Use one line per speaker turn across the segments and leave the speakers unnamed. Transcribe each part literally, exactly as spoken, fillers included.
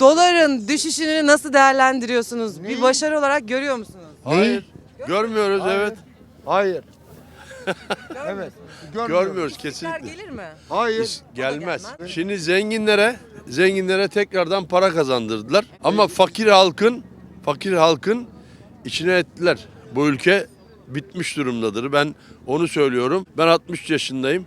Doların düşüşünü nasıl değerlendiriyorsunuz?
Neyi?
Bir başarı olarak görüyor musunuz?
Hayır. Görmüyoruz
Hayır.
evet.
Hayır. Evet.
Görmüyoruz
Tekrar
kesinlikle.
gelir mi?
Hayır.
Hiç gelmez.
gelmez.
Şimdi zenginlere zenginlere tekrardan para kazandırdılar. Ama fakir halkın fakir halkın içine ettiler. Bu ülke bitmiş durumdadır. Ben onu söylüyorum. Ben altmış yaşındayım.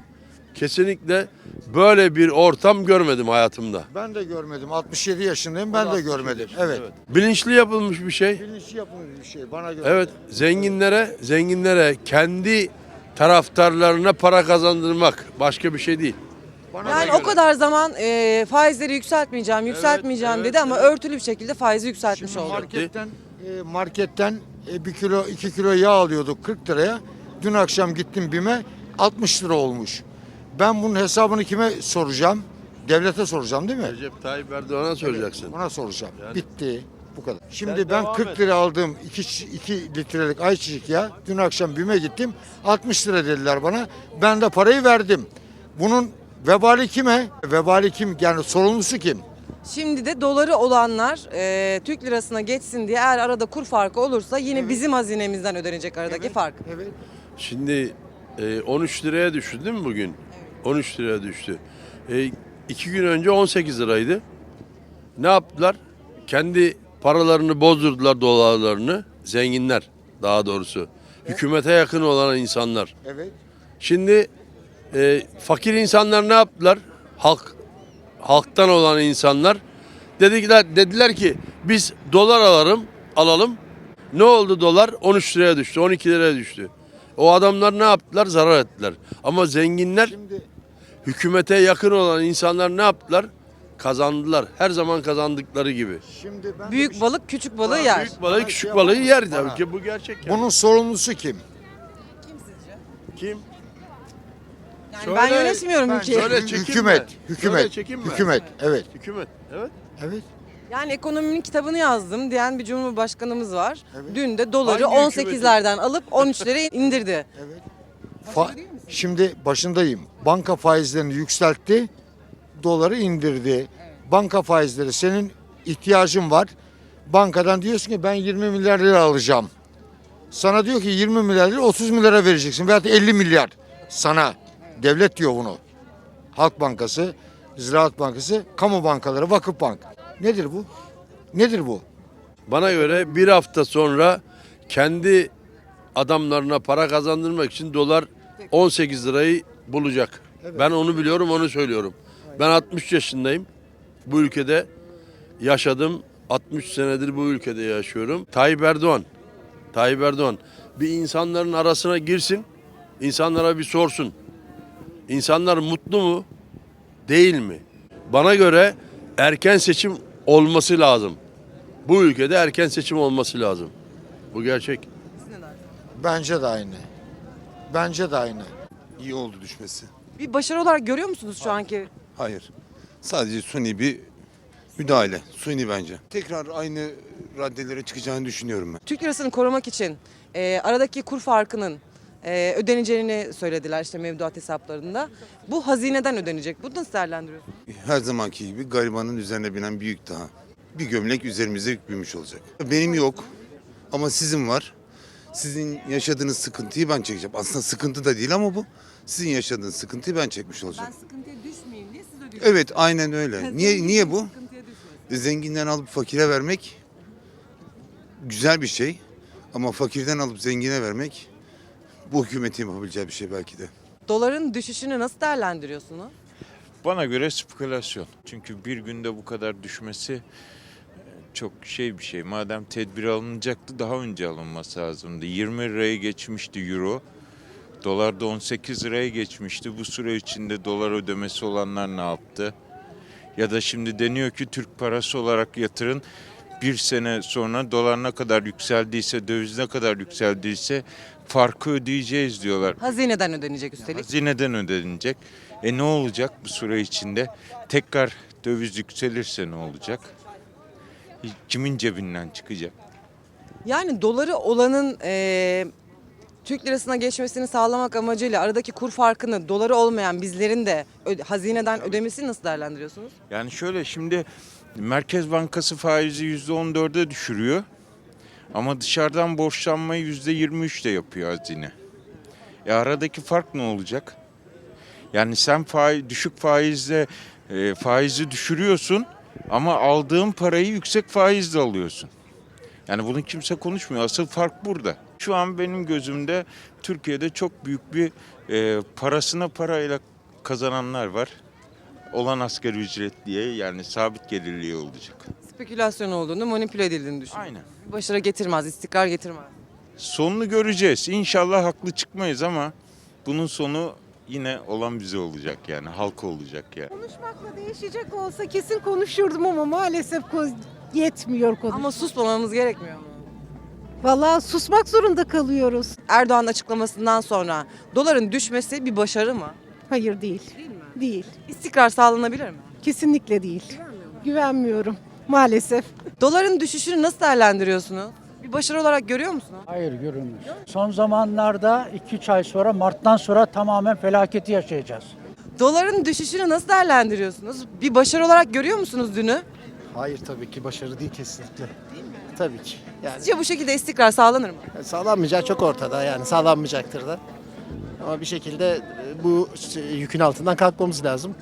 Kesinlikle böyle bir ortam görmedim hayatımda.
Ben de görmedim. altmış yedi yaşındayım. Ben de
altmış yedi
görmedim.
yaşında,
Evet.
Bilinçli yapılmış bir şey.
Bilinçli yapılmış bir şey bana göre.
Evet, zenginlere, zenginlere kendi taraftarlarına para kazandırmak başka bir şey değil.
Bana
Yani
göre.
o kadar zaman e, faizleri yükseltmeyeceğim, yükseltmeyeceğim
evet,
dedi ama
evet.
örtülü bir şekilde faizi yükseltmiş
Şimdi
oldu.
marketten e, marketten e, bir kilo iki kilo yağ alıyorduk kırk liraya. Dün akşam gittim BİM'e altmış lira olmuş. Ben bunun hesabını kime soracağım? Devlete soracağım değil mi?
Recep Tayyip Erdoğan'a soracaksın.
Ona soracağım.
Yani-
Bitti. Bu kadar. Şimdi
Sen
ben
devam
kırk
et.
lira aldığım iki litrelik ayçiçek yağı dün akşam BİM'e gittim. altmış lira dediler bana. Ben de parayı verdim. Bunun vebali kime? Vebali kim? Yani sorumlusu kim?
Şimdi de doları olanlar e, Türk lirasına geçsin diye eğer arada kur farkı olursa yine bizim hazinemizden ödenecek aradaki fark.
Evet.
Şimdi e, on üç liraya düştü değil mi bugün? on üç liraya düştü. E, iki gün önce on sekiz liraydı. Ne yaptılar? Kendi paralarını bozdurdular, dolarlarını. Zenginler daha doğrusu. Hükümete yakın olan insanlar.
Evet.
Şimdi e, fakir insanlar ne yaptılar? Halk halktan olan insanlar dediler dediler ki biz dolar alalım, alalım. Ne oldu dolar? on üç liraya düştü, on iki liraya düştü. O adamlar ne yaptılar? Zarar ettiler. Ama zenginler,
Şimdi
hükümete yakın olan insanlar ne yaptılar? Kazandılar. Her zaman kazandıkları gibi.
şimdi ben de bir
Büyük
şey-
balık küçük balığı
Bana
yer.
Büyük balığı
Bana
küçük
şey
balığı
yapamaz.
yer
Bana.
tabii ki bu gerçek. Yani.
bunun sorumlusu kim?
Kim sizce?
Kim?
Yani
Söyle,
ben yönetmiyorum
ben
ülkeyi.
söyle. çekinme.
Hükümet,
Söyle,
hükümet,
çekinme.
hükümet. Evet,
Hükümet. Evet.
evet.
Yani ekonominin kitabını yazdım diyen bir cumhurbaşkanımız var.
Evet.
Dün de doları
Hangi
on sekizlerden alıp on üçlere indirdi.
Evet. Fa- Şimdi başındayım. Banka faizlerini yükseltti, doları indirdi. Banka faizleri senin ihtiyacın var. Bankadan diyorsun ki ben yirmi milyar lira alacağım. Sana diyor ki yirmi milyar lira otuz milyara vereceksin veyahut elli milyar sana. Devlet diyor bunu. Halk Bankası, Ziraat Bankası, kamu bankaları, vakıf bank. Nedir bu? Nedir bu?
Bana göre bir hafta sonra kendi adamlarına para kazandırmak için dolar on sekiz lirayı bulacak. Ben onu biliyorum, onu söylüyorum. Ben altmış yaşındayım. Bu ülkede yaşadım. altmış senedir bu ülkede yaşıyorum. Tayyip Erdoğan, Tayyip Erdoğan bir insanların arasına girsin, insanlara bir sorsun. İnsanlar mutlu mu, değil mi? Bana göre erken seçim olması lazım. Bu ülkede erken seçim olması lazım. Bu gerçek.
Bence de aynı. Bence de aynı.
İyi oldu düşmesi.
Bir başarı olarak görüyor musunuz şu anki?
Hayır. Sadece suni bir müdahale. Suni bence. Tekrar aynı raddelere çıkacağını düşünüyorum ben.
Türk lirasını korumak için e, aradaki kur farkının e, ödeneceğini söylediler işte mevduat hesaplarında. Bu hazineden ödenecek. Bunu nasıl değerlendiriyorsunuz?
Her zamanki gibi garibanın üzerine binen bir yük daha. Bir gömlek üzerimize yüklenmiş olacak. Benim yok ama sizin var. Sizin yaşadığınız sıkıntıyı ben çekeceğim. Aslında sıkıntı da değil ama bu. Sizin yaşadığınız sıkıntıyı ben çekmiş olacağım.
sıkıntıya düşmeyeyim diye siz ödüyorsunuz.
Evet, aynen öyle. Niye niye bu? Zenginden alıp fakire vermek güzel bir şey. Ama fakirden alıp zengine vermek bu hükümetin yapabileceği bir şey belki de.
Doların düşüşünü nasıl değerlendiriyorsunuz?
Bana göre spekülasyon. Çünkü bir günde bu kadar düşmesi e, çok şey bir şey. Madem tedbir alınacaktı daha önce alınması lazımdı. yirmi liraya geçmişti euro. Dolar da on sekiz liraya geçmişti. Bu süre içinde dolar ödemesi olanlar ne yaptı? Ya da şimdi deniyor ki Türk parası olarak yatırın. Bir sene sonra dolar ne kadar yükseldiyse, döviz ne kadar yükseldiyse farkı ödeyeceğiz diyorlar.
Hazineden ödenecek üstelik.
Hazineden ödenecek. E ne olacak bu süre içinde? Tekrar döviz yükselirse ne olacak? Kimin cebinden çıkacak?
Yani doları olanın e, Türk lirasına geçmesini sağlamak amacıyla aradaki kur farkını doları olmayan bizlerin de ö- hazineden ödemesini nasıl değerlendiriyorsunuz?
Yani şöyle şimdi Merkez Bankası faizi yüzde on dörde düşürüyor. Ama dışarıdan borçlanmayı yüzde yirmi üçte yapıyor hazine. E aradaki fark ne olacak? Yani sen faiz, düşük faizle e, faizi düşürüyorsun ama aldığın parayı yüksek faizle alıyorsun. Yani bunu kimse konuşmuyor. Asıl fark burada. Şu an benim gözümde Türkiye'de çok büyük bir e, parasına parayla kazananlar var. Olan asgari ücretliye, yani sabit gelirliye olacak.
Spekülasyon olduğunu, manipüle edildiğini düşünüyorum.
Aynen.
Başarı getirmez, istikrar getirmez.
Sonunu göreceğiz. İnşallah haklı çıkmayız ama bunun sonu yine olan bize olacak, yani halka olacak yani.
Konuşmakla değişecek olsa kesin konuşurdum ama maalesef ko- yetmiyor konuş.
Ama susmamamız gerekmiyor mu?
Vallahi susmak zorunda kalıyoruz.
Erdoğan açıklamasından sonra doların düşmesi bir başarı mı?
Hayır değil.
Değil mi?
Değil.
İstikrar sağlanabilir mi?
Kesinlikle değil. Güvenmiyorum maalesef.
Doların düşüşünü nasıl değerlendiriyorsunuz? Bir başarı olarak görüyor musunuz?
Hayır görünmüyor. Son zamanlarda iki üç ay sonra Mart'tan sonra tamamen felaketi yaşayacağız.
Doların düşüşünü nasıl değerlendiriyorsunuz? Bir başarı olarak görüyor musunuz dünü?
Hayır tabii ki başarı değil kesinlikle. Tabii ki. Yani
Sizce bu şekilde istikrar sağlanır mı?
sağlanmayacağı çok ortada yani sağlanmayacaktır da. Ama bir şekilde e, bu yükün altından kalkmamız lazım.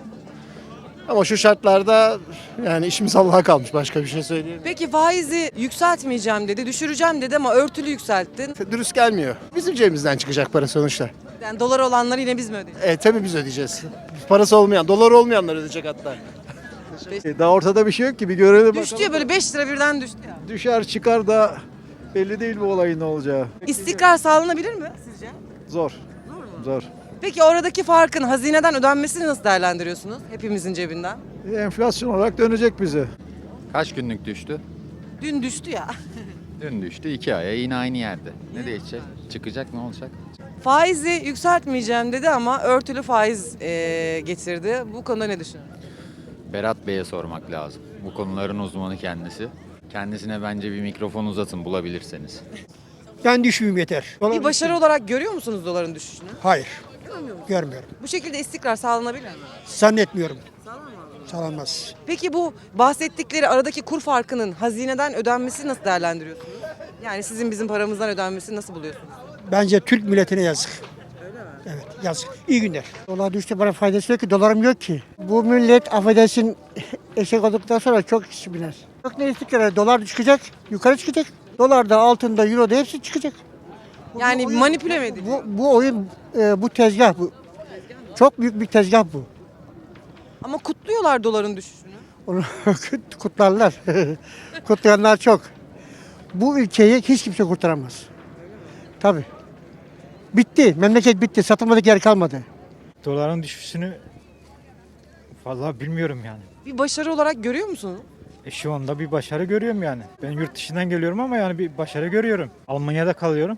Ama şu şartlarda yani işimiz Allah'a kalmış, başka bir şey söyleyeyim.
Peki faizi yükseltmeyeceğim dedi, düşüreceğim dedi ama örtülü yükselttin.
Dürüst gelmiyor. Bizim cebimizden çıkacak para sonuçta.
Yani dolar olanları yine biz mi ödeyeceğiz?
E tabii biz ödeyeceğiz. Parası olmayan, dolar olmayanlar ödeyecek hatta.
Daha ortada bir şey yok ki, bir görelim
Düştü
bakalım.
ya, böyle beş lira birden düştü ya.
Düşer çıkar da belli değil bu olayın ne olacağı.
İstikrar sağlanabilir mi sizce?
Zor. Zor.
Peki oradaki farkın hazineden ödenmesini nasıl değerlendiriyorsunuz? Hepimizin cebinden.
Enflasyon olarak dönecek bize.
Kaç günlük düştü?
Dün düştü ya.
Dün düştü. iki aya yine aynı yerde. Ne değişecek? Çıkacak, ne olacak?
Faizi yükseltmeyeceğim dedi ama örtülü faiz eee, getirdi. Bu konuda ne düşünüyorsunuz?
Berat Bey'e sormak lazım. Bu konuların uzmanı kendisi. Kendisine bence bir mikrofon uzatın bulabilirseniz.
Ben düşmeyeyim yeter.
Bir başarı olarak görüyor musunuz doların düşüşünü?
Hayır. Görmüyorum.
Bu şekilde istikrar sağlanabilir mi?
Zannetmiyorum. Sağlanmaz.
Peki bu bahsettikleri aradaki kur farkının hazineden ödenmesi nasıl değerlendiriyorsunuz? Yani sizin bizim paramızdan ödenmesini nasıl buluyorsunuz?
Bence Türk milletine yazık. Evet yazık. İyi günler. Dolar düştü, bana faydası yok ki, dolarım yok ki. Bu millet affedersin eşek olduktan sonra çok kişi biner. Yok ne istikrar, dolar çıkacak, yukarı çıkacak. Dolarda, altında, euroda hepsi çıkacak.
Yani
oyun-
manipüle mi ediliyor?
Bu, bu oyun, e, bu tezgah bu. Çok büyük bir tezgah bu.
Ama kutluyorlar doların düşüşünü.
Onu kutlarlar. Kutlayanlar çok. Bu ülkeyi hiç kimse kurtaramaz. Tabii. Bitti. Memleket bitti. Satılmadık yer kalmadı.
Doların düşüşünü vallahi bilmiyorum yani.
Bir başarı olarak görüyor musunuz?
E şu anda bir başarı görüyorum yani. Ben yurt dışından geliyorum ama yani bir başarı görüyorum. Almanya'da kalıyorum.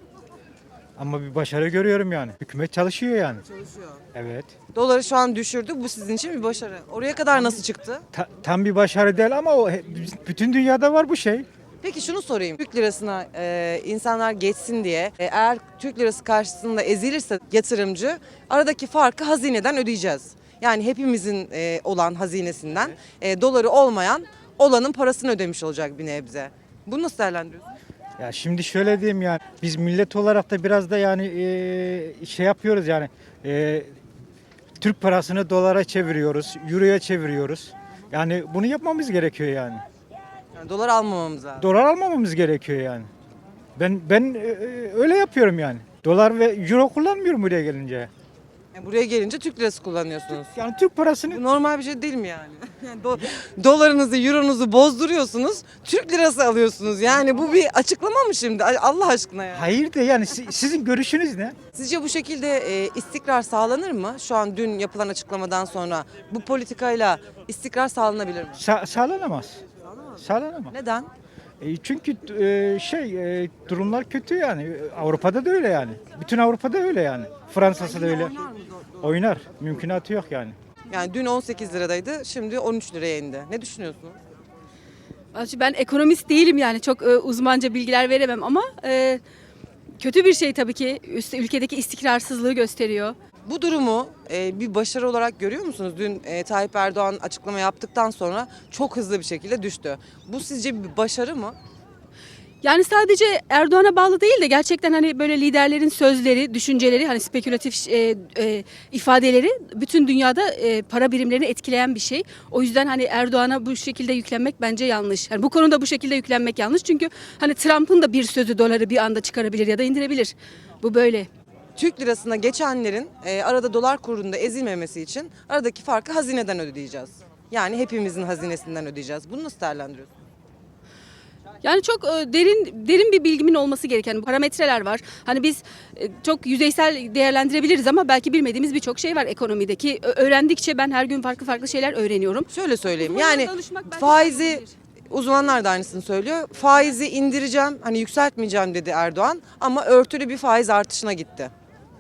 Ama bir başarı görüyorum yani. Hükümet çalışıyor yani.
Çalışıyor.
Evet.
Doları şu an düşürdü. Bu sizin için bir başarı. Oraya kadar nasıl çıktı?
Ta- tam bir başarı değil ama o he- bütün dünyada var bu şey.
Peki şunu sorayım. Türk lirasına e, insanlar geçsin diye e, eğer Türk lirası karşısında ezilirse yatırımcı aradaki farkı hazineden ödeyeceğiz. Yani hepimizin e, olan hazinesinden e, doları olmayan olanın parasını ödemiş olacak bir nebze. Bunu nasıl değerlendiriyorsunuz?
Ya şimdi şöyle diyeyim yani. Biz millet olarak da biraz da yani e, şey yapıyoruz yani. E, Türk parasını dolara çeviriyoruz, euroya çeviriyoruz. Yani bunu yapmamız gerekiyor yani.
Yani dolar almamamız lazım.
Dolar almamamız gerekiyor yani. Ben ben e, öyle yapıyorum yani. Dolar ve euro kullanmıyorum buraya gelince.
Yani buraya gelince Türk lirası kullanıyorsunuz.
Yani Türk parasını
Bu normal bir şey değil mi yani? Yani do- dolarınızı, euronuzu bozduruyorsunuz, Türk lirası alıyorsunuz. Yani bu bir açıklama mı şimdi? Ay- Allah aşkına ya.
hayır de yani si- sizin görüşünüz ne?
Sizce bu şekilde e, istikrar sağlanır mı? Şu an dün yapılan açıklamadan sonra bu politikayla istikrar sağlanabilir mi?
Sa- sağlanamaz. Sağlanamaz.
Neden?
E, çünkü e, şey e, durumlar kötü yani. Avrupa'da da öyle yani. Bütün Avrupa'da öyle yani. Fransa'sı da öyle. Oynar. Mümkünatı yok yani.
Yani dün on sekiz liradaydı, şimdi on üç liraya indi. Ne düşünüyorsunuz?
Ben ekonomist değilim yani çok e, uzmanca bilgiler veremem ama e, kötü bir şey tabii ki. Üst, ülkedeki istikrarsızlığı gösteriyor.
Bu durumu e, bir başarı olarak görüyor musunuz? Dün e, Tayyip Erdoğan açıklama yaptıktan sonra çok hızlı bir şekilde düştü. Bu sizce bir başarı mı?
Yani sadece Erdoğan'a bağlı değil de gerçekten hani böyle liderlerin sözleri, düşünceleri, hani spekülatif e, e, ifadeleri bütün dünyada e, para birimlerini etkileyen bir şey. O yüzden hani Erdoğan'a bu şekilde yüklenmek bence yanlış. Yani bu konuda bu şekilde yüklenmek yanlış. Çünkü hani Trump'ın da bir sözü doları bir anda çıkarabilir ya da indirebilir. Bu böyle.
Türk lirasına geçenlerin e, arada dolar kurunda ezilmemesi için aradaki farkı hazineden ödeyeceğiz. Yani hepimizin hazinesinden ödeyeceğiz. Bunu nasıl değerlendiriyorsunuz?
Yani çok e, derin derin bir bilgimin olması gereken parametreler var. Hani biz e, çok yüzeysel değerlendirebiliriz ama belki bilmediğimiz birçok şey var ekonomideki. Ö- Öğrendikçe ben her gün farklı farklı şeyler öğreniyorum.
Şöyle söyleyeyim.
Uzmanlara
Yani
danışmak belki
faizi
faydalıdır.
uzmanlar da aynısını söylüyor. Faizi indireceğim, hani yükseltmeyeceğim dedi Erdoğan ama örtülü bir faiz artışına gitti.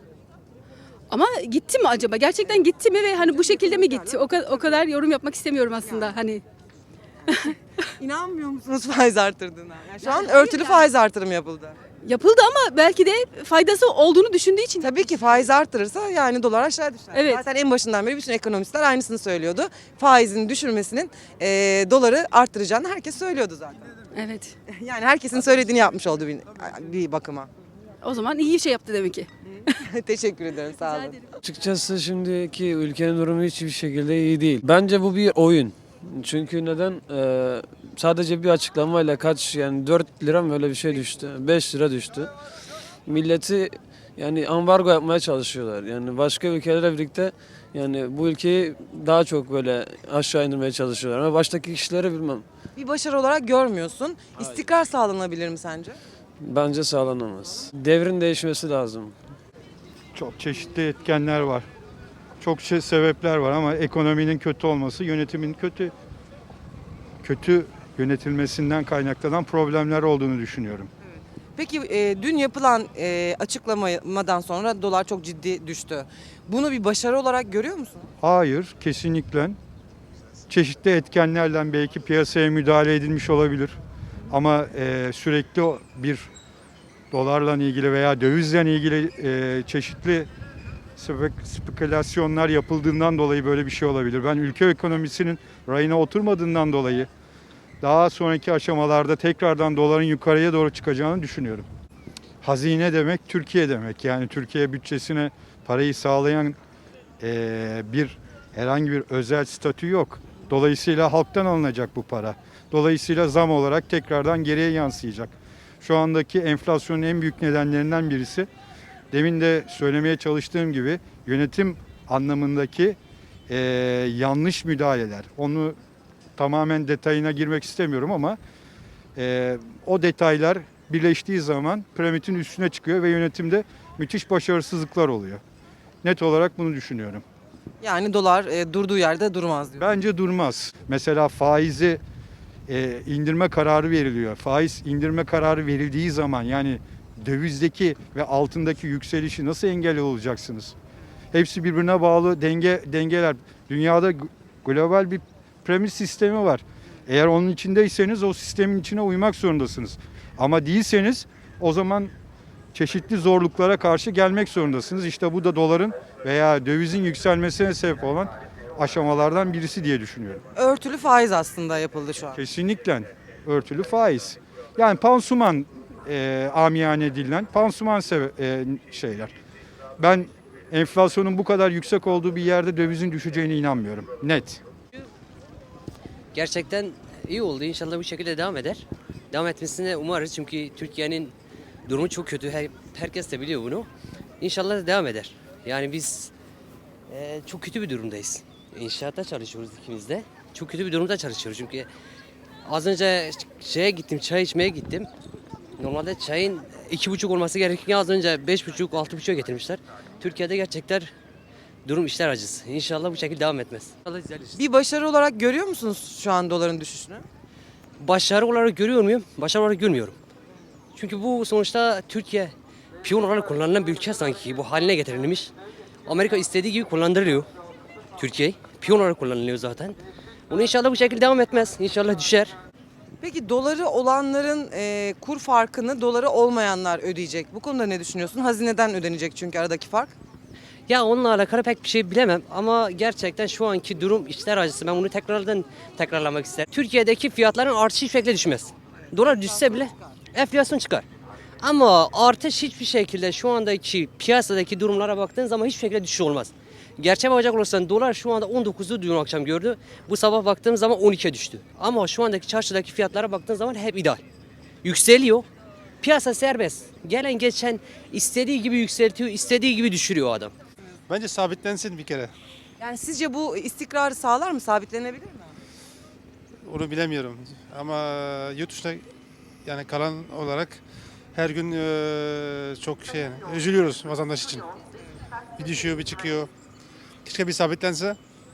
Ama gitti mi acaba? Gerçekten gitti mi ve hani bu şekilde mi gitti? O, ka- o kadar yorum yapmak istemiyorum aslında. Hani
İnanmıyor musunuz faiz artırdığına? Yani şu an örtülü faiz artırımı yapıldı.
yapıldı ama belki de faydası olduğunu düşündüğü için.
Tabii ki faiz artırırsa yani dolar aşağı düşer.
Evet.
Zaten en başından beri bütün ekonomistler aynısını söylüyordu. Faizin düşürmesinin e, doları arttıracağını herkes söylüyordu zaten.
Evet.
Yani herkesin söylediğini yapmış oldu bir, bir bakıma.
O zaman iyi bir şey yaptı demek ki.
Teşekkür ederim, sağ olun.
Açıkçası şimdiki ülkenin durumu hiçbir şekilde iyi değil. Bence bu bir oyun. Çünkü neden? Ee, sadece bir açıklamayla kaç yani dört lira mı öyle bir şey düştü. beş lira düştü. Milleti yani ambargo yapmaya çalışıyorlar. Yani başka ülkelerle birlikte yani bu ülkeyi daha çok böyle aşağı indirmeye çalışıyorlar. Ama baştaki kişileri bilmem.
Bir başarı olarak görmüyorsun. İstikrar sağlanabilir mi sence?
Bence sağlanamaz. Devrin değişmesi lazım.
Çok çeşitli etkenler var. Çok şey sebepler var ama ekonominin kötü olması, yönetimin kötü kötü yönetilmesinden kaynaklanan problemler olduğunu düşünüyorum.
Peki e, dün yapılan e, açıklamadan sonra dolar çok ciddi düştü. Bunu bir başarı olarak görüyor musun?
Hayır, kesinlikle çeşitli etkenlerle belki piyasaya müdahale edilmiş olabilir. Ama e, sürekli bir dolarla ilgili veya dövizle ilgili e, çeşitli spek- spekülasyonlar yapıldığından dolayı böyle bir şey olabilir. Ben ülke ekonomisinin rayına oturmadığından dolayı daha sonraki aşamalarda tekrardan doların yukarıya doğru çıkacağını düşünüyorum. Hazine demek Türkiye demek. Yani Türkiye bütçesine parayı sağlayan e, bir herhangi bir özel statü yok. Dolayısıyla halktan alınacak bu para. Dolayısıyla zam olarak tekrardan geriye yansıyacak. Şu andaki enflasyonun en büyük nedenlerinden birisi, demin de söylemeye çalıştığım gibi yönetim anlamındaki e, yanlış müdahaleler. Onu tamamen detayına girmek istemiyorum ama e, o detaylar birleştiği zaman piramidin üstüne çıkıyor ve yönetimde müthiş başarısızlıklar oluyor. Net olarak bunu düşünüyorum.
Yani dolar e, durduğu yerde durmaz diyor.
Bence durmaz. Mesela faizi e, indirme kararı veriliyor. Faiz indirme kararı verildiği zaman yani dövizdeki ve altındaki yükselişi nasıl engel olacaksınız? Hepsi birbirine bağlı denge dengeler. Dünyada global bir piramit sistemi var. Eğer onun içindeyseniz o sistemin içine uymak zorundasınız. Ama değilseniz o zaman çeşitli zorluklara karşı gelmek zorundasınız. İşte bu da doların veya dövizin yükselmesine sebep olan aşamalardan birisi diye düşünüyorum.
Örtülü faiz aslında yapıldı şu an.
Kesinlikle örtülü faiz. Yani pansuman e, amiyane dilinden pansuman sebe- e, şeyler. Ben enflasyonun bu kadar yüksek olduğu bir yerde dövizin düşeceğine inanmıyorum. Net.
Gerçekten iyi oldu. İnşallah bu şekilde devam eder. Devam etmesini umarız çünkü Türkiye'nin durumu çok kötü. Her, herkes de biliyor bunu. İnşallah devam eder. Yani biz e, çok kötü bir durumdayız. İnşaatta çalışıyoruz ikimiz de. Çok kötü bir durumda çalışıyoruz çünkü az önce şeye gittim, çay içmeye gittim. Normalde çayın iki buçuk olması gerekirken az önce beş buçuk, altı buçuğa getirmişler. Türkiye'de gerçekten durum işler acısı. İnşallah bu şekilde devam etmez. İnşallah düzelir.
Bir başarı olarak görüyor musunuz şu an doların düşüşünü?
Başarı olarak görüyor muyum? Başarı olarak görmüyorum. Çünkü bu sonuçta Türkiye piyon olarak kullanılan bir ülke sanki bu haline getirilmiş. Amerika istediği gibi kullandırılıyor Türkiye. Piyon olarak kullanılıyor zaten. Bunu inşallah bu şekilde devam etmez. İnşallah düşer.
Peki doları olanların e, kur farkını doları olmayanlar ödeyecek. Bu konuda ne düşünüyorsun? Hazineden ödenecek çünkü aradaki fark.
Ya onunla alakalı pek bir şey bilemem ama gerçekten şu anki durum içler acısı. Ben bunu tekrardan tekrarlamak isterim. Türkiye'deki fiyatların artışı hiçbir şekilde düşmez. Dolar düşse bile enflasyon çıkar. Ama artış hiçbir şekilde şu andaki piyasadaki durumlara baktığın zaman hiçbir şekilde düşüş olmaz. Gerçeğe bakacak olursan dolar şu anda on dokuzu dün akşam gördü. Bu sabah baktığım zaman on ikiye düştü. Ama şu andaki çarşıdaki fiyatlara baktığın zaman hep ideal. Yükseliyor. Piyasa serbest. Gelen geçen istediği gibi yükseltiyor, istediği gibi düşürüyor adam.
Bence sabitlensin bir kere.
Yani sizce bu istikrarı sağlar mı? Sabitlenebilir mi?
Onu bilemiyorum. Ama yurt dışında yani kalan olarak her gün eee, çok şey yani, üzülüyoruz vatandaş için. Bir düşüyor, bir çıkıyor. Keşke bir sabitlense.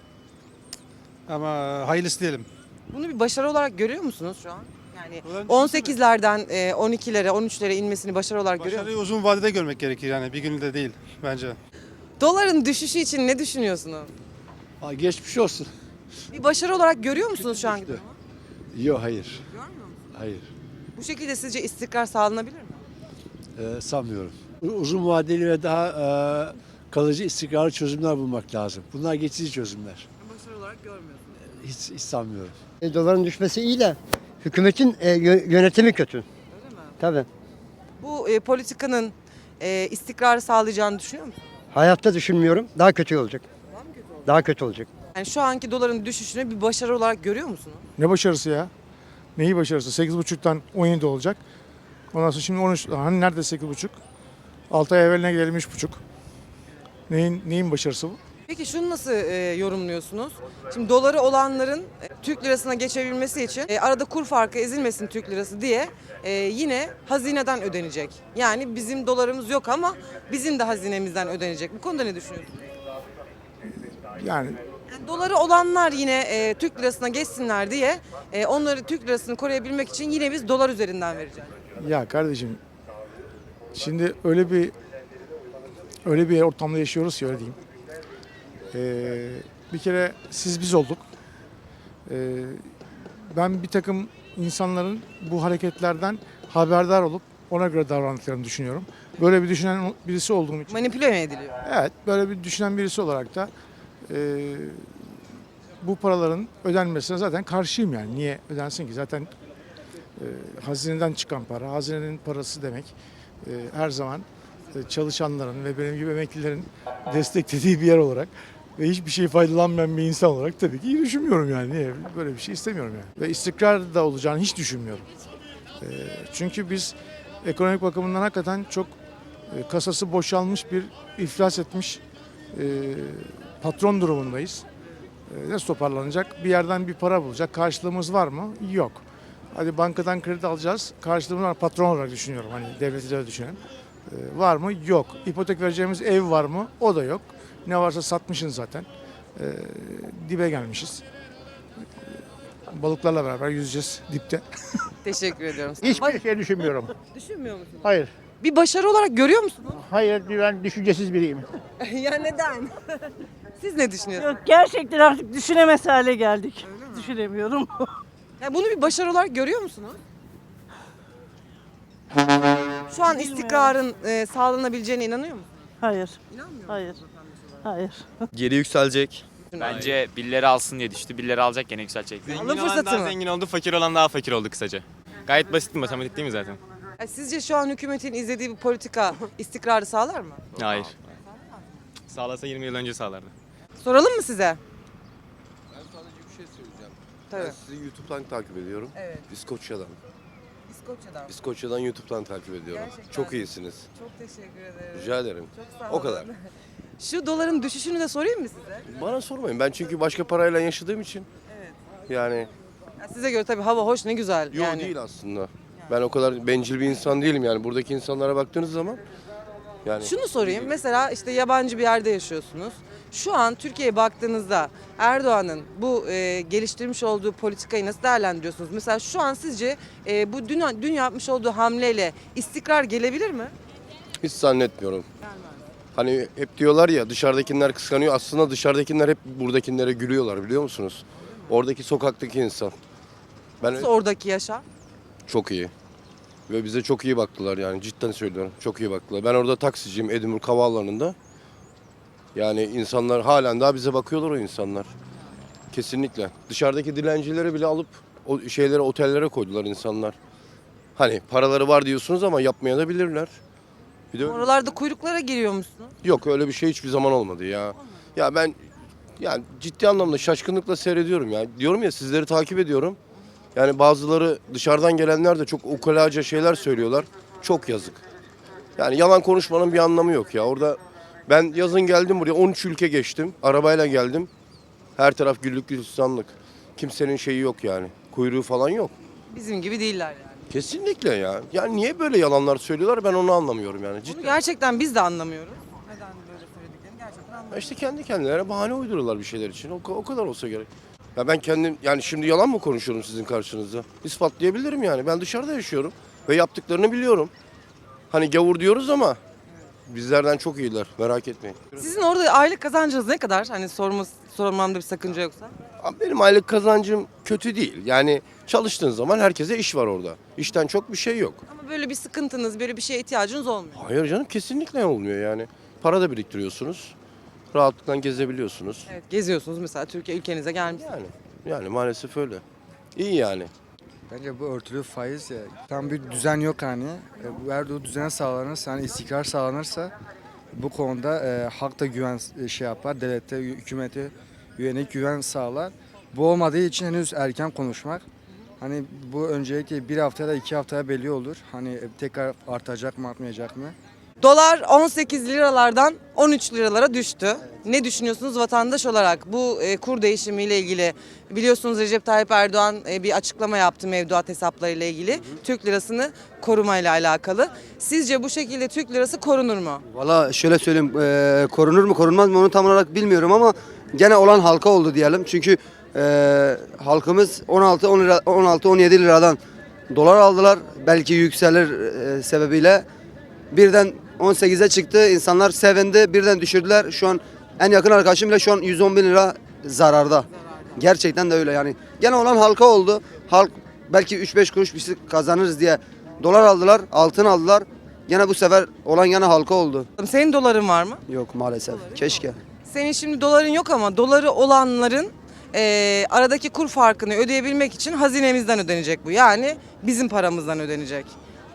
Ama hayırlısı diyelim.
Bunu bir başarı olarak görüyor musunuz şu an? Yani
Doların
on sekizlerden e, on ikilere, on üçlere inmesini başarı olarak görüyor musunuz?
Başarıyı uzun vadede görmek gerekir yani bir günde değil bence.
Doların düşüşü için ne düşünüyorsunuz?
Aa, geçmiş olsun.
Bir başarı olarak görüyor musunuz şu an?
Yok hayır. Hayır.
Bu şekilde sizce istikrar sağlanabilir mi?
Ee, sanmıyorum. Uzun vadeli ve daha e, kalıcı istikrarlı çözümler bulmak lazım. Bunlar geçici çözümler.
Başarı olarak görmüyorsunuz.
Hiç, hiç sanmıyorum.
E, doların düşmesi iyi de hükümetin e, yö- yönetimi kötü.
Öyle mi?
Tabii.
Bu e, politikanın e, istikrarı sağlayacağını düşünüyor musunuz?
Hayatta düşünmüyorum. Daha kötü olacak.
Daha mı kötü olacak?
Daha kötü olacak.
Yani şu anki doların düşüşünü bir başarı olarak görüyor musunuz?
Ne başarısı ya? Neyi başarısı? sekiz buçuktan on yedi olacak. Ondan sonra şimdi on üç. Hani nerede sekiz buçuk? altı ay evveline gidelim üç buçuk. Neyin, neyin başarısı bu?
Peki şunu nasıl e, yorumluyorsunuz? Şimdi doları olanların e, Türk lirasına geçebilmesi için e, arada kur farkı ezilmesin Türk lirası diye e, yine hazineden ödenecek. Yani bizim dolarımız yok ama bizim de hazinemizden ödenecek. Bu konuda ne düşünüyorsunuz?
Yani
Yani doları olanlar yine e, Türk lirasına geçsinler diye e, onları Türk lirasını koruyabilmek için yine biz dolar üzerinden vereceğiz.
ya kardeşim şimdi öyle bir öyle bir ortamda yaşıyoruz ki öyle diyeyim. Ee, bir kere siz biz olduk. Ee, ben bir takım insanların bu hareketlerden haberdar olup ona göre davrandıklarını düşünüyorum. Böyle bir düşünen birisi olduğum için.
Manipüle mi ediliyor?
Evet, böyle bir düşünen birisi olarak da e, bu paraların ödenmesine zaten karşıyım yani. Niye ödensin ki? Zaten e, hazineden çıkan para, hazinenin parası demek e, her zaman e, çalışanların ve benim gibi emeklilerin desteklediği bir yer olarak ve hiçbir şey faydalanmayan bir insan olarak tabii ki iyi düşünmüyorum yani. Niye? Böyle bir şey istemiyorum yani. Ve istikrar da olacağını hiç düşünmüyorum. E, çünkü biz ekonomik bakımından hakikaten çok e, kasası boşalmış bir iflas etmiş e, patron durumundayız. E, nasıl toparlanacak? Bir yerden bir para bulacak. Karşılığımız var mı? Yok. Hadi bankadan kredi alacağız. Karşılığımız var. Patron olarak düşünüyorum. Hani devleti de düşünelim. E, var mı? Yok. İpotek vereceğimiz ev var mı? O da yok. Ne varsa satmışsın zaten. E, dibe gelmişiz. E, balıklarla beraber yüzeceğiz dipte.
Teşekkür ediyorum.
Hiçbir şey düşünmüyorum.
Düşünmüyor musunuz?
Hayır.
Bir başarı olarak görüyor musunuz?
Hayır, ben düşüncesiz biriyim.
ya neden? Siz ne düşünüyorsunuz?
Yok gerçekten artık düşünemez hale geldik. Düşünemiyorum.
Ya bunu bir başarı olarak görüyor musunuz? Şu an istikrarın e, sağlanabileceğine inanıyor musunuz?
Hayır.
İnanmıyor
Hayır. Hayır.
Geri yükselecek.
Bence birileri alsın diye düştü. Birileri alacak gene yükselecek.
Alım fırsatı mı?
Zengin oldu, fakir olan daha fakir oldu kısaca. Gayet basit bir matematik değil mi zaten?
Ya sizce şu an hükümetin izlediği bu politika istikrarı sağlar mı?
Hayır. Sağlasa yirmi yıl önce sağlardı.
Soralım mı size?
Ben sadece bir şey söyleyeceğim.
Tabii.
Ben sizi YouTube'dan takip ediyorum.
Evet.
İskoçya'dan.
İskoçya'dan.
İskoçya'dan YouTube'dan takip ediyorum.
Gerçekten.
Çok iyisiniz.
Çok teşekkür ederim.
Rica ederim.
Çok sağ
O
olun.
kadar.
Şu doların düşüşünü de sorayım mı size?
Bana sormayın. Ben çünkü başka parayla yaşadığım için.
Evet.
Yani
Ya size göre tabii hava hoş ne güzel.
yok
yani.
değil aslında. Ben o kadar bencil bir insan değilim yani. Buradaki insanlara baktığınız zaman yani
Şunu sorayım. Mesela işte yabancı bir yerde yaşıyorsunuz. Şu an Türkiye'ye baktığınızda Erdoğan'ın bu e, geliştirmiş olduğu politikayı nasıl değerlendiriyorsunuz? Mesela şu an sizce e, bu dün, dün yapmış olduğu hamleyle istikrar gelebilir mi?
hiç zannetmiyorum. Hani hep diyorlar ya dışarıdakiler kıskanıyor. Aslında dışarıdakiler hep buradakilere gülüyorlar biliyor musunuz? Oradaki sokaktaki insan. Ben
Nasıl oradaki yaşam?
çok iyi. Ve bize çok iyi baktılar yani cidden söylüyorum. Çok iyi baktılar. Ben orada taksiciyim Edinburgh Havaalanı'nda. Yani insanlar halen daha bize bakıyorlar o insanlar. Kesinlikle. Dışarıdaki dilencileri bile alıp o şeylere, otellere koydular insanlar. Hani paraları var diyorsunuz ama yapmaya da bilirler. Bir de öyle-
Oralarda kuyruklara giriyor musunuz?
Yok öyle bir şey hiçbir zaman olmadı ya. Ya ben yani ciddi anlamda şaşkınlıkla seyrediyorum ya. Diyorum ya sizleri takip ediyorum. Yani bazıları dışarıdan gelenler de çok ukalaca şeyler söylüyorlar. Çok yazık. Yani yalan konuşmanın bir anlamı yok ya. Orada ben yazın geldim buraya on üç ülke geçtim. Arabayla geldim. Her taraf güllük gülistanlık. Kimsenin şeyi yok yani. Kuyruğu falan yok.
Bizim gibi değiller yani.
Kesinlikle ya. Yani niye böyle yalanlar söylüyorlar ben onu anlamıyorum yani.
Bunu
Cidden.
gerçekten biz de anlamıyoruz. Neden böyle söylediklerini gerçekten anlamıyoruz.
İşte kendi kendilerine bahane uyduruyorlar bir şeyler için. O, o kadar olsa gerek. Ya ben kendim yani şimdi yalan mı konuşuyorum sizin karşınızda? İspatlayabilirim yani. Ben dışarıda yaşıyorum ve yaptıklarını biliyorum. Hani gavur diyoruz ama bizlerden çok iyiler. Merak etmeyin.
Sizin orada aylık kazancınız ne kadar? Hani sorması, sormamda bir sakınca yoksa.
Abi benim aylık kazancım kötü değil. Yani çalıştığın zaman herkese iş var orada. İşten çok bir şey yok.
Ama böyle bir sıkıntınız, böyle bir şeye ihtiyacınız olmuyor.
Hayır canım kesinlikle olmuyor yani. Para da biriktiriyorsunuz. Rahatlıkla gezebiliyorsunuz.
Evet, geziyorsunuz mesela Türkiye ülkenize gelmişsiniz.
Yani yani maalesef öyle. İyi yani.
Bence bu örtülü faiz ya. Tam bir düzen yok hani. E, bu eğer o düzen sağlanırsa, hani istikrar sağlanırsa bu konuda e, halk da güven e, şey yapar, devlete, hükümete yönelik güven sağlar. Bu olmadığı için henüz erken konuşmak. Hani bu öncelikle bir haftaya da iki haftaya belli olur. Hani e, tekrar artacak mı artmayacak mı?
Dolar on sekiz liralardan on üç liralara düştü. Ne düşünüyorsunuz vatandaş olarak bu e, kur değişimiyle ilgili? Biliyorsunuz Recep Tayyip Erdoğan e, bir açıklama yaptı mevduat hesaplarıyla ilgili. Türk lirasını korumayla alakalı. Sizce bu şekilde Türk lirası korunur mu?
Valla şöyle söyleyeyim, e, korunur mu korunmaz mı onu tam olarak bilmiyorum ama gene olan halka oldu diyelim. Çünkü e, halkımız on altı on lira on altı on yedi liradan dolar aldılar. Belki yükselir e, sebebiyle birden on sekize çıktı. İnsanlar sevindi. Birden düşürdüler. Şu an en yakın arkadaşım bile şu an yüz on bin lira zararda. Gerçekten de öyle yani. Gene olan halka oldu. Halk belki üç beş kuruş bir şey kazanırız diye dolar aldılar, altın aldılar. Gene bu sefer olan gene halka oldu.
Senin doların var mı?
Yok maalesef. Keşke.
Senin şimdi doların yok ama doları olanların e, aradaki kur farkını ödeyebilmek için hazinemizden ödenecek bu. Yani bizim paramızdan ödenecek.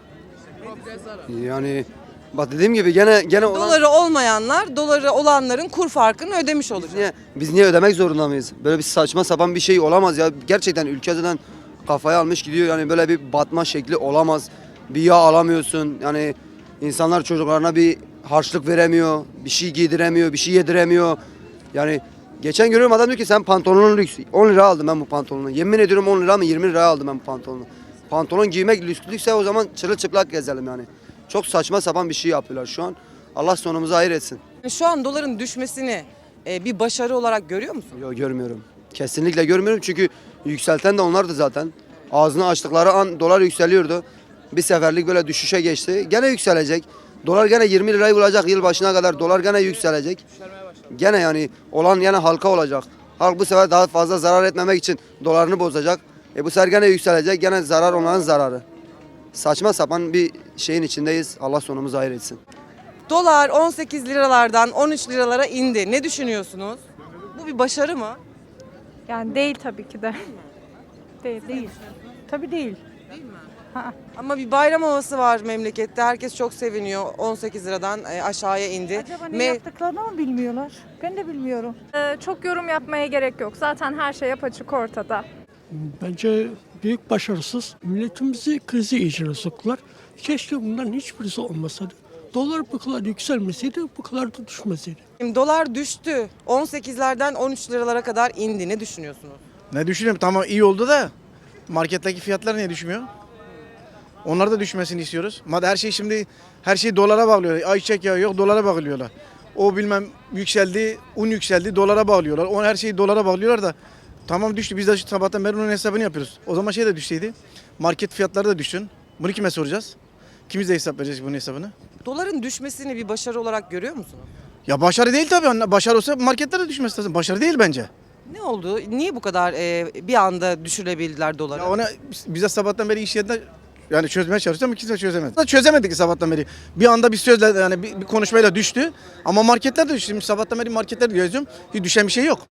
Yani bak dediğim gibi gene gene olan...
Doları olmayanlar doları olanların kur farkını ödemiş olacak.
Biz niye, biz niye ödemek zorunda mıyız? Böyle bir saçma sapan bir şey olamaz ya. Gerçekten ülke zaten kafaya almış gidiyor. Yani böyle bir batma şekli olamaz. Bir yağ alamıyorsun. Yani insanlar çocuklarına bir harçlık veremiyor. Bir şey giydiremiyor, bir şey yediremiyor. Yani geçen görüyorum adam diyor ki sen pantolonun lüks. on lira aldım ben bu pantolonu. Yemin ediyorum on lira mı yirmi liraya aldım ben bu pantolonu. Pantolon giymek lükslükse o zaman çırılçıplak gezelim yani. Çok saçma sapan bir şey yapıyorlar şu an. Allah sonumuzu hayır etsin.
Şu an doların düşmesini e, bir başarı olarak görüyor musun?
Yok görmüyorum. Kesinlikle görmüyorum çünkü yükselten de onlardı zaten. Ağzını açtıkları an dolar yükseliyordu. Bir seferlik böyle düşüşe geçti. Gene yükselecek. Dolar gene yirmi lirayı bulacak yıl başına kadar. Dolar gene yükselecek. Gene yani olan yani halka olacak. Halk bu sefer daha fazla zarar etmemek için dolarını bozacak. E bu sefer gene yükselecek. Gene zarar onların zararı. Saçma sapan bir şeyin içindeyiz. Allah sonumuzu hayır etsin.
Dolar on sekiz liralardan on üç liralara indi. Ne düşünüyorsunuz? Bu bir başarı mı?
Yani değil tabii ki de. Değil, değil. Tabii değil.
Ama bir bayram havası var memlekette. Herkes çok seviniyor. on sekiz liradan e, aşağıya indi.
Acaba ne
Me-
yaptıklarını mı bilmiyorlar? Ben de bilmiyorum.
Ee, çok yorum yapmaya gerek yok. Zaten her şey apaçık ortada.
Bence büyük başarısız. Milletimizi krize içine soktular. Keşke bundan hiçbirisi olmasaydı. Dolar bu kadar yükselmeseydi, bu kadar da düşmeseydi.
Şimdi dolar düştü. on sekizlerden on üç liralara kadar indi. Ne düşünüyorsunuz?
Ne düşünüyorum? Tamam iyi oldu da marketteki fiyatlar niye düşmüyor? Onlar da düşmesini istiyoruz. Madem her şey şimdi her şey dolara bağlıyor. Ayçiçek yağı yok dolara bağlıyorlar. O bilmem yükseldi, un yükseldi dolara bağlıyorlar. O her şeyi dolara bağlıyorlar da tamam düştü. Biz de şu sabahtan beri onun hesabını yapıyoruz. O zaman şey de düşseydi. Market fiyatları da düşsün. Bunu kime soracağız? Kimiz de hesap vereceğiz bunun hesabını?
Doların düşmesini bir başarı olarak görüyor musunuz?
Ya başarı değil tabii. Başarı olsa marketler de düşmesi lazım. Başarı değil bence.
Ne oldu? Niye bu kadar e, bir anda düşürebildiler doları?
Ya ona bize sabahtan beri iş yerinde
Yani çözmeye çalıştı ama kimse çözemedi. Çözemedik sabahtan beri. Bir anda bir sözle yani bir, bir konuşmayla düştü. Ama marketler de düştü. Şimdi sabahtan beri marketler geziyorum. Hiç düşen bir şey yok.